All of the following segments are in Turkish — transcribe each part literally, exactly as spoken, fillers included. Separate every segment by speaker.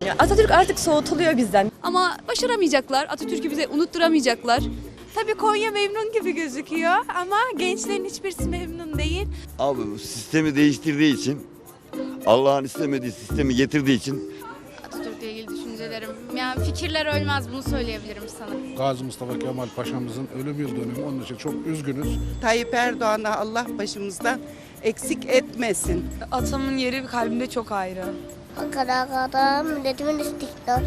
Speaker 1: Ya Atatürk artık soğutuluyor bizden.
Speaker 2: Ama başaramayacaklar. Atatürk'ü bize unutturamayacaklar.
Speaker 3: Tabii Konya memnun gibi gözüküyor ama gençlerin hiçbirisi memnun değil.
Speaker 4: Abi bu sistemi değiştirdiği için, Allah'ın istemediği sistemi getirdiği için
Speaker 5: Atatürk'le ilgili düşüncelerim. Yani fikirler ölmez, bunu söyleyebilirim sana.
Speaker 6: Gazi Mustafa Kemal Paşa'mızın ölüm yıl dönümü. Onun için çok üzgünüz.
Speaker 7: Tayyip Erdoğan'ı Allah başımızdan eksik etmesin.
Speaker 3: Atamın yeri kalbimde çok ayrı.
Speaker 8: Kadang-kadang milletimin istiqlal.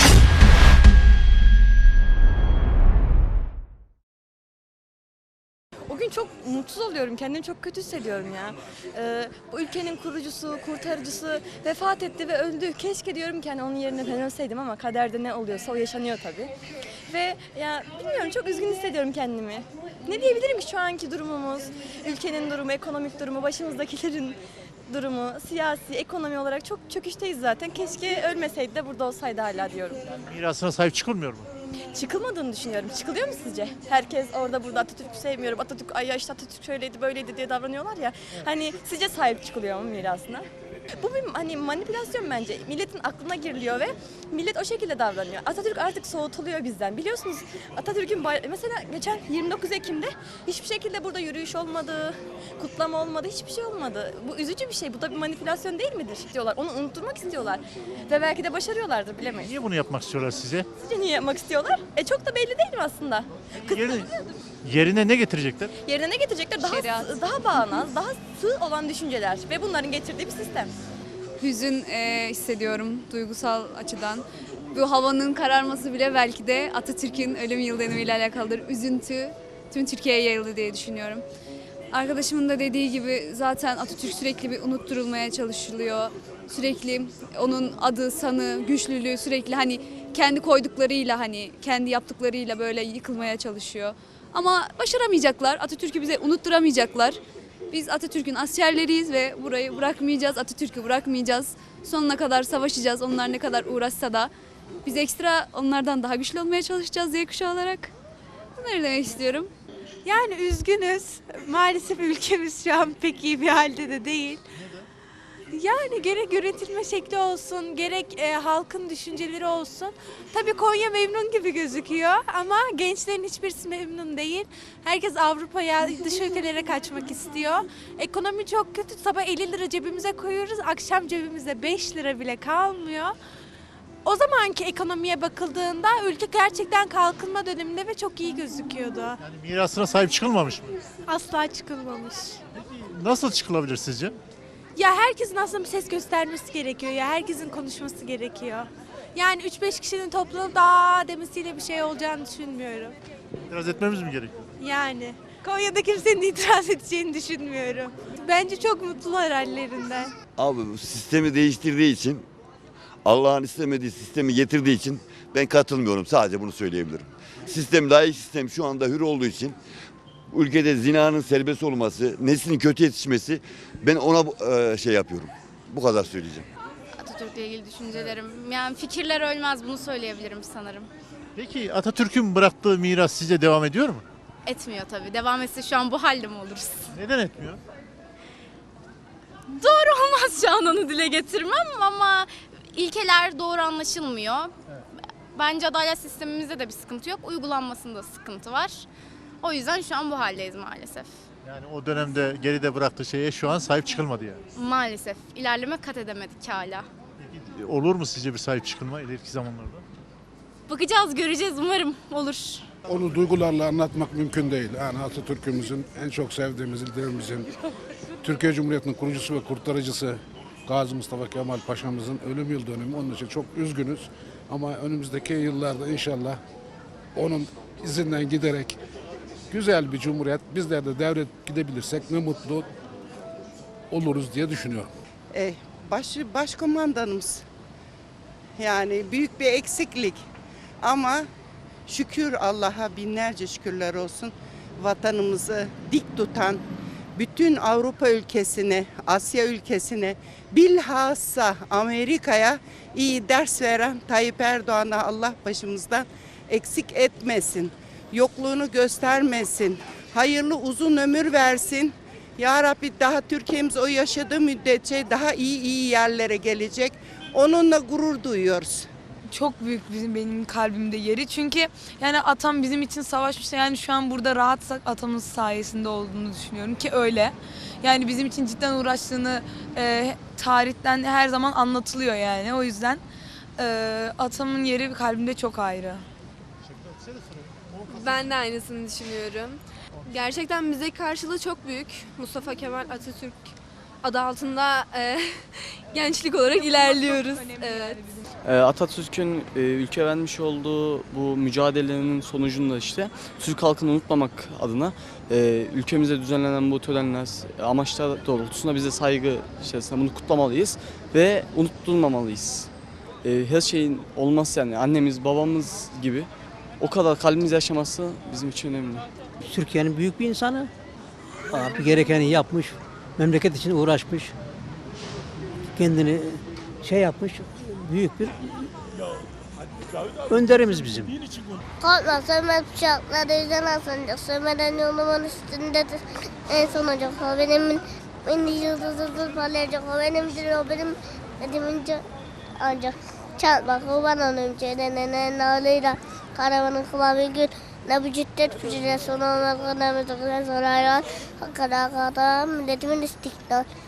Speaker 1: O gün çok mutsuz oluyorum, kendimi çok kötü hissediyorum ya. Ee, bu ülkenin kurucusu, kurtarıcısı vefat etti ve öldü. Keşke diyorum ki hani onun yerine ben ölseydim ama kaderde ne oluyorsa o yaşanıyor tabii. Ve ya bilmiyorum, çok üzgün hissediyorum kendimi. Ne diyebilirim ki şu anki durumumuz, ülkenin durumu, ekonomik durumu, başımızdakilerin durumu, siyasi, ekonomi olarak çok çöküşteyiz zaten. Keşke ölmeseydi de burada olsaydı hala diyorum.
Speaker 9: Mirasına sahip çıkılmıyor mu?
Speaker 1: Çıkılmadığını düşünüyorum. Çıkılıyor mu sizce? Herkes orada burada Atatürk'ü sevmiyorum, Atatürk, ay ya işte Atatürk şöyleydi böyleydi diye davranıyorlar ya. Hani sizce sahip çıkılıyor mu mirasına? Bu bir hani manipülasyon bence. Milletin aklına giriliyor ve millet o şekilde davranıyor. Atatürk artık soğutuluyor bizden. Biliyorsunuz Atatürk'ün bay- mesela geçen yirmi dokuz Ekim'de hiçbir şekilde burada yürüyüş olmadı, kutlama olmadı, hiçbir şey olmadı. Bu üzücü bir şey. Bu da bir manipülasyon değil midir diyorlar. Onu unutturmak istiyorlar. Ve belki de başarıyorlardır, bilemeyiz.
Speaker 9: Niye bunu yapmak istiyorlar size?
Speaker 1: Sizce niye yapmak istiyorlar? E çok da belli değil mi aslında?
Speaker 9: Yerine, yerine ne getirecekler?
Speaker 1: Yerine ne getirecekler? Daha
Speaker 2: Şeriat.
Speaker 1: daha bağnaz, daha sığ olan düşünceler ve bunların getirdiği bir sistem.
Speaker 2: Hüzün e, hissediyorum duygusal açıdan. Bu havanın kararması bile belki de Atatürk'ün ölüm yıl dönümüyle alakalıdır. Üzüntü tüm Türkiye'ye yayıldı diye düşünüyorum. Arkadaşımın da dediği gibi zaten Atatürk sürekli bir unutturulmaya çalışılıyor. Sürekli onun adı, sanı, güçlülüğü sürekli hani kendi koyduklarıyla, hani kendi yaptıklarıyla böyle yıkılmaya çalışıyor. Ama başaramayacaklar. Atatürk'ü bize unutturamayacaklar. Biz Atatürk'ün askerleriyiz ve burayı bırakmayacağız. Atatürk'ü bırakmayacağız. Sonuna kadar savaşacağız. Onlar ne kadar uğraşsa da biz ekstra onlardan daha güçlü olmaya çalışacağız Z kuşağı olarak. Bunları demek istiyorum.
Speaker 3: Yani üzgünüz. Maalesef ülkemiz şu an pek iyi bir halde de değil. Yani gerek yönetilme şekli olsun, gerek e, halkın düşünceleri olsun. Tabii Konya memnun gibi gözüküyor ama gençlerin hiçbirisi memnun değil. Herkes Avrupa'ya, dış ülkelere kaçmak istiyor. Ekonomi çok kötü. Sabah elli lira cebimize koyuyoruz, akşam cebimizde beş lira bile kalmıyor. O zamanki ekonomiye bakıldığında ülke gerçekten kalkınma döneminde ve çok iyi gözüküyordu.
Speaker 9: Yani mirasına sahip çıkılmamış mı?
Speaker 3: Asla çıkılmamış.
Speaker 9: Nasıl çıkılabilir sizce?
Speaker 3: Ya herkesin aslında bir ses göstermesi gerekiyor ya. Herkesin konuşması gerekiyor. Yani üç beş kişinin toplanıp daha demesiyle bir şey olacağını düşünmüyorum.
Speaker 9: İtiraz etmemiz mi gerekiyor?
Speaker 3: Yani Konya'da kimsenin itiraz edeceğini düşünmüyorum. Bence çok mutlular hallerinden.
Speaker 4: abi bu sistemi değiştirdiği için, Allah'ın istemediği sistemi getirdiği için ben katılmıyorum. Sadece bunu söyleyebilirim. Sistem, layık sistem şu anda hür olduğu için ülkede zinanın serbest olması, neslin kötü yetişmesi, ben ona e, şey yapıyorum. Bu kadar söyleyeceğim.
Speaker 5: Atatürk'le ilgili düşüncelerim. Yani fikirler ölmez, bunu söyleyebilirim sanırım.
Speaker 9: Peki Atatürk'ün bıraktığı miras size devam ediyor mu?
Speaker 5: Etmiyor tabii. Devam etse şu an bu halde mi oluruz?
Speaker 9: Neden etmiyor?
Speaker 5: Doğru olmaz şu an onu dile getirmem ama ilkeler doğru anlaşılmıyor. Bence adalet sistemimizde de bir sıkıntı yok. Uygulanmasında sıkıntı var. O yüzden şu an bu haldeyiz maalesef.
Speaker 9: Yani o dönemde geride bıraktığı şeye şu an sahip çıkılmadı yani.
Speaker 5: Maalesef. İlerleme kat edemedik hala.
Speaker 9: Peki olur mu sizce bir sahip çıkılma ileriki zamanlarda?
Speaker 5: Bakacağız, göreceğiz. Umarım olur.
Speaker 6: Onu duygularla anlatmak mümkün değil. Yani Atatürk'ümüzün en çok sevdiğimiz liderimizin, Türkiye Cumhuriyeti'nin kurucusu ve kurtarıcısı Gazi Mustafa Kemal Paşa'mızın ölüm yıl dönümü. Onun için çok üzgünüz. Ama önümüzdeki yıllarda inşallah onun izinden giderek güzel bir cumhuriyet bizler de devret gidebilirsek ne mutlu oluruz diye düşünüyorum.
Speaker 7: E, baş, başkomandanımız yani büyük bir eksiklik ama şükür Allah'a binlerce şükürler olsun vatanımızı dik tutan bütün Avrupa ülkesine, Asya ülkesine, bilhassa Amerika'ya iyi ders veren Tayyip Erdoğan'a Allah başımızdan eksik etmesin. Yokluğunu göstermesin. Hayırlı uzun ömür versin. Ya Rabbi daha Türkiye'miz o yaşadığı müddetçe daha iyi iyi yerlere gelecek. Onunla gurur duyuyoruz.
Speaker 10: Çok büyük bizim benim kalbimde yeri. Çünkü yani atam bizim için savaşmıştı. Yani şu an burada rahatsak atamız sayesinde olduğunu düşünüyorum ki öyle. Yani bizim için cidden uğraştığını e, tarihten her zaman anlatılıyor yani. O yüzden e, atamın yeri kalbimde çok ayrı.
Speaker 11: Ben de aynısını düşünüyorum. Gerçekten bize karşılığı çok büyük. Mustafa Kemal Atatürk adı altında e, gençlik olarak ilerliyoruz. Evet.
Speaker 12: Atatürk'ün ülke vermiş olduğu bu mücadelenin sonucunda işte Türk halkını unutmamak adına ülkemizde düzenlenen bu törenler, amaçlar doğrultusunda bize saygı içerisinde bunu kutlamalıyız ve unutturmamalıyız. Her şeyin olması yani annemiz, babamız gibi o kadar kalbimiz yaşaması bizim için önemli.
Speaker 13: Türkiye'nin büyük bir insanı. Abi gerekeni yapmış, memleket için uğraşmış, kendini şey yapmış, büyük bir önderimiz bizim.
Speaker 8: Korkma sönmez bıçaklar yüzden aslanacak. Sönmeden yolumun üstündedir. En son olacak o benim. Beni yıldızsız parlayacak o benimdir. O benim dediğimince ancak. Çarpma kurban olayım çeyrenen ağlıyla. Karavanın kıvamı gül. Ne bu ciddet fücüne son olmaz. Ne bu tıkına sonra hayran. Hakada hakada milletimin istiklal.